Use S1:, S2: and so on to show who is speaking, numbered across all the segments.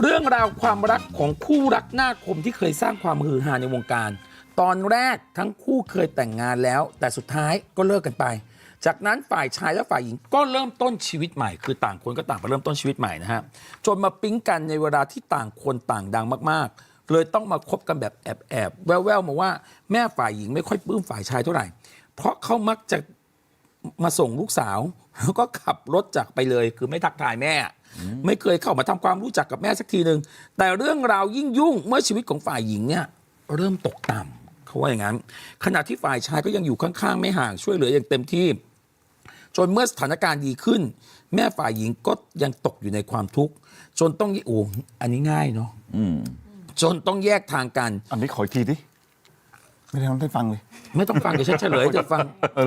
S1: เรื่องราวความรักของคู่รักหน้าคมที่เคยสร้างความฮือฮาในวงการตอนแรกทั้งคู่เคยแต่งงานแล้วแต่สุดท้ายก็เลิกกันไปจากนั้นฝ่ายชายและฝ่ายหญิงก็เริ่มต้นชีวิตใหม่คือต่างคนก็ต่างไปเริ่มต้นชีวิตใหม่นะฮะจนมาปิ๊งกันในเวลาที่ต่างคนต่างดังมากๆเลยต้องมาคบกันแบบแอบแววๆมาว่าแม่ฝ่ายหญิงไม่ค่อยปลื้มฝ่ายชายเท่าไหร่เพราะเขามักจะมาส่งลูกสาวแล้วก็ขับรถจากไปเลยคือไม่ทักทายแม่ไม่เคยเข้ามาทำความรู้จักกับแม่สักทีหนึ่งแต่เรื่องราวยิ่งยุ่งเมื่อชีวิตของฝ่ายหญิงเนี่ยเริ่มตกต่ำเขาว่าอย่างนั้นขณะที่ฝ่ายชายก็ยังอยู่ข้างๆไม่ห่างช่วยเหลืออย่างเต็มที่จนเมื่อสถานการณ์ดีขึ้นแม่ฝ่ายหญิงก็ยังตกอยู่ในความทุกข์จนต้องอันนี้ง่ายเนาะจนต้องแยกทางกัน
S2: อันนี้ขออีกทีดิไม่ได้ทำให้ฟังเลย
S1: ไม่ต้องฟังเดี๋ยวฉันเฉลยเดี๋ยวฟัง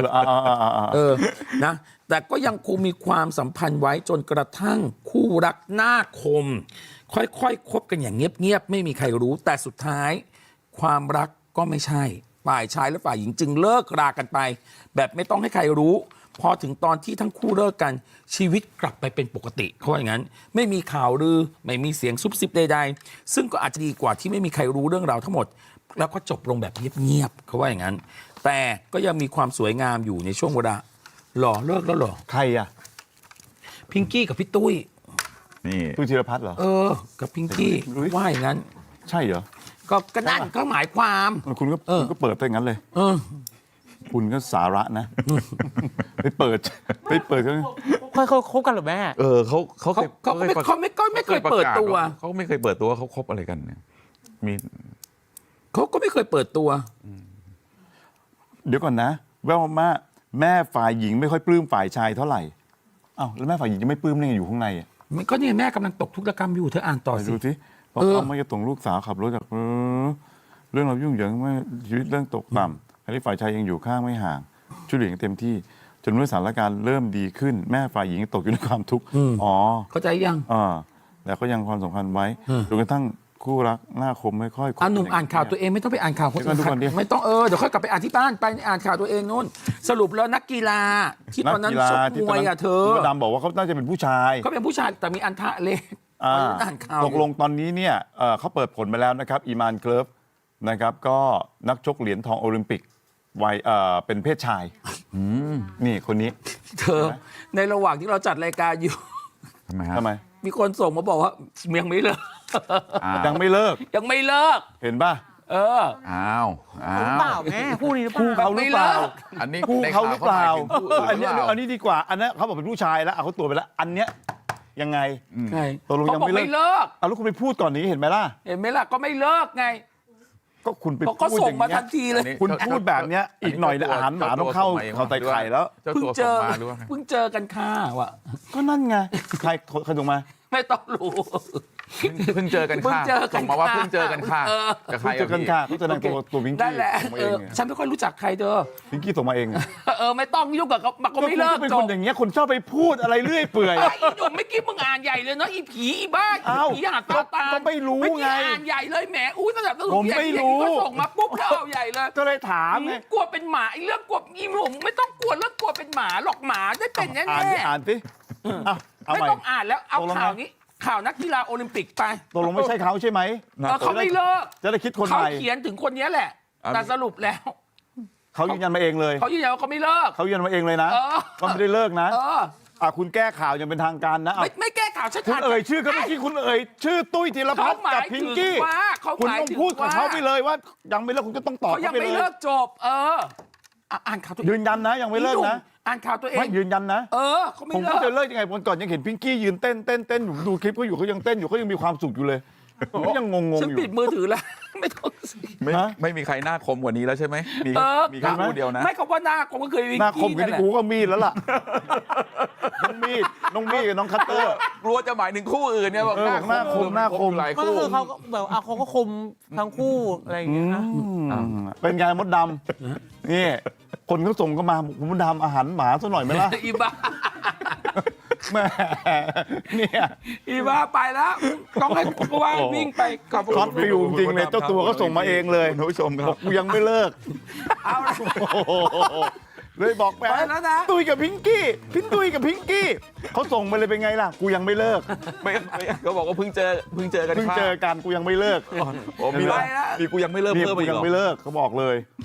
S1: นะแต่ก็ยังคงมีความสัมพันธ์ไว้จนกระทั่งคู่รักหน้าคมค่อยๆคบกันอย่างเงียบๆไม่มีใครรู้แต่สุดท้ายความรักก็ไม่ใช่ฝ่ายชายและฝ่ายหญิงจึงเลิกรากันไปแบบไม่ต้องให้ใครรู้พอถึงตอนที่ทั้งคู่เลิกกันชีวิตกลับไปเป็นปกติเขาว่าอย่างนั้นไม่มีข่าวลือไม่มีเสียงซุบซิบใดๆซึ่งก็อาจจะดีกว่าที่ไม่มีใครรู้เรื่องราวทั้งหมดแล้วก็จบลงแบบเงียบๆเขาว่าอย่างนั้นแต่ก็ยังมีความสวยงามอยู่ในช่วงเวลาหล่อเลิกแล้วหรอ
S2: ใครอ่ะ
S1: พิงกี้กับพี่ตุ้ย
S2: นี่ตุ้ยธีรพัฒน์เหรอ
S1: กับพิงกี้ว่าอย่างนั้น
S2: ใช่เหรอ
S1: ก็นั่นก็หมายความ
S2: คุณก็เปิดไปอย่างนั้นเลยคุณก็สาระนะไปเปิด
S3: เขาคบกันหรือแม่
S1: เขาไม่เคยเปิดตัว
S4: เขาไม่เคยเปิดตัวเขาคบอะไรกันเนี่ย
S1: เขาก็ไม่เคยเปิดตัว
S2: เดี๋ยวก่อนนะแววมาแม่ฝ่ายหญิงไม่ค่อยปลื้มฝ่ายชายเท่าไหร่อ้าวแล้วแม่ฝ่ายหญิงจะไม่ปลื้มได้ไงอยู่ข้างในอ่ะ
S1: ก็เนี่ยแม่กำลังตกทุกข์ระกรรมอยู่เธออ่านต่อสิ
S2: ดูสิเพราะเขาไม่จะส่งลูกสาวขับรถจากเรื่องเรายุ่งเหยิงไม่ชีวิตเรื่องตกต่ำขณะที่ฝ่ายชายยังอยู่ข้างไม่ห่างช่วยเหลือเต็มที่จนเมื่อสถานการณ์เริ่มดีขึ้นแม่ฝ่ายหญิงตกอยู่ในความทุกข์
S1: เข้าใจยัง
S2: แต่ก็ยังความสัมพันธ์ไว้จนกระทั่งคู่รักหน้าคมไม่ค่อย
S1: หนุ่มอ่านข่าวตัวเองไม่ต้องไปอ่านข่าวคนอื่นไม่ต้องเดี๋ยวค่อยกลับไปอ่านที่บ้านไปอ่านข่าวตัวเองนู่นสรุปแล้วนักกีฬาที่ตอนนั้นชกมวยเธอ
S2: ดำบอกว่าเขาน่าจะเป็นผู้ชาย
S1: เขาเป็นผู้ชายแต่มีอันทะเล็ก
S2: ตกลงตอนนี้เนี่ยเขาเปิดผลมาแล้วนะครับอีมานเกลิฟนะครับก็นักชกเหรียญทองโอลิมปิกวัยเป็นเพศชายนี่คนนี้
S1: เธอในระหว่างที่เราจัดรายการอยู่
S2: ทำไม
S1: มีคนส่งมาบอกว่ายังไม่เลิก
S2: ยังไม่เลิกเห็นป่ะ
S4: อ้าว
S3: เปล่าแม่คู่นี้
S2: คู่เขาหรือเปล่า
S4: อันนี้
S2: คู่เขาหรือเปล่าอันนี้ดีกว่าอันนั้นเขาบอกเป็นผู้ชายแล้วเขาตัวไปแล้วอันเนี้ยยังไงตกลงยังไม่เลิกแล้วคุณไปพูดก่อนนี้เห็นไหมล่ะ
S1: ก็ไม่เลิกไง
S2: ก็คุณไป
S1: ก็ส่งมาทันทีเลย
S2: คุณพูดแบบเนี้ยอีกหน่อยอาหารหมาต้องเข้าไตไข่แล้ว
S1: เพิ่งเจอกันค่ะว่ะ
S2: ก็นั่นไงใครส่งมา
S1: ไม่ต้องรู้
S4: เพิ่งเจอกันค่ะส่งมาว่าเพิ่งเจอกันค่ะ
S2: กับใครเจอกันค่ะเขาจะนั่งตัวพิงกี้
S1: นั่นแหละฉันไม่ค่อยรู้จักใครเธอ
S2: พิงกี้ส่งมาเอง
S1: ไม่ต้องยุ่งกับเขาก็ไม่เลิก
S2: เป็นคนอย่างเงี้ยคนชอบไปพูดอะไรเรื่อยเปื่อย
S1: อีหนุ่มไม่คิดมึงอ่านใหญ่เลยเนาะอีผีอีบ้าผีหาตา
S2: ก็ไม่รู้ไง
S1: อ่านใหญ่เลยแหมอุ้ยสนับสนุน
S2: ผมไม่รู้
S1: ก็ส่งมาปุ๊บแล้วเอาใหญ่เลย
S2: ก็เลยถามไง
S1: กลัวเป็นหมาไอ้เรื่องกลัวอีหนุ่มไม่ต้องกลัวเรื่องกลัวเป็นหมาหรอกหมาได้เป็นแน่
S2: อ่านสิ
S1: ไม่ต้องอ่านแล้วเอาข่าวนี้ข่าวนักกีฬาโอลิมปิกไป
S2: ตกลงไม่ใช่เขาใช่ไหม
S1: เขาไม่เลิก
S2: จะได้คิดคนใหม่
S1: เขาเขียนถึงคนนี้แหละแต่สรุปแล้ว
S2: เขายืนยันมาเองเลย
S1: เขายืนยันว่าเขาไม่เลิก
S2: เขายืนยันมาเองเลยนะก็ไม่ได้เลิกนะคุณแก้ข่าวยังเป็นทางการนะ
S1: ไม่แก้ข่าวชัดๆ
S2: คุณชื่อก็เมื่อกี้คุณชื่อตุ้ยธีรพัฒน์กับพิงกี้คุณต้องพูดกับเขาไปเลยว่ายังไม่เลิกคุณก็ต้องตอบ
S1: เขายังไม่เลิกจบอ่านข่าวตัว
S2: ยืนยันนะยังไม่เลิกนะ
S1: อ่านข่าวตัวเอง
S2: ไม่ยืนยันนะ
S1: เขาไม่
S2: ผมก็จะเลิกยังไงวันก่อนยังเห็นพิงกี้ยืนเต้นอยู่ดูคลิปเขาอยู่เขายังเต้นอยู่เขายังมีความสุขอยู่เลยก็ยังงงอยู่
S1: ฉันปิดมือถือแล้วไม่ต้อง
S4: ไม่มีใครหน้าคมกว่านี้แล้วใช่ไหมมีแค่คู่เดียวนะ
S1: ไม่เขาว่าหน้าคมก็เคย
S2: หน้าคมกับที่กูก็มีดแล้วล่ะน้องมีดกับน้องคัตเตอร์
S4: กลัวจะหมายถึงคู่อื่นเนี่ยบอก
S2: หน้าคม
S4: หลายคู่
S3: เขาแบบเขาก็คมทั้งคู่อะไรอย่างเงี้ย
S2: เป็นไงมดดำนี่คนเขาส่งก็มาผมมดดำอาหารหมาซะหน่อยไหมล่ะ
S1: อีบ้า
S2: แม่เนี่ย
S1: อีบ้าไปแล้วต้องให้คุณว่างวิ่งไป
S2: กับช็อตฟิวจริงเลยเจ้าตัวก็ส่งมาเองเลย
S4: ท่านผู้ชมครับ
S2: กูยังไม่เลิก
S1: เอา
S2: เลยบอกแม่
S3: ไปแล้วนะ
S2: ตุ้ยกับพิงกี้พี่ตุ้ยกับพิงกี้เขาส่งมาเลยเป็นไงล่ะกูยังไม่เลิก
S4: ไม่เขาบอกว่าเพิ่งเจอกัน
S2: เพิ่งเจอกันกูยังไม่เลิก
S4: โอ้มี
S3: ไป
S4: แล้ว
S3: แล้ว
S4: มีกูยังไม่เลิก
S2: นี่
S4: เพิ่ม
S2: กู
S4: อีก
S2: ยัง
S4: เหรอ
S2: ไม่เลิกเขาบอกเลย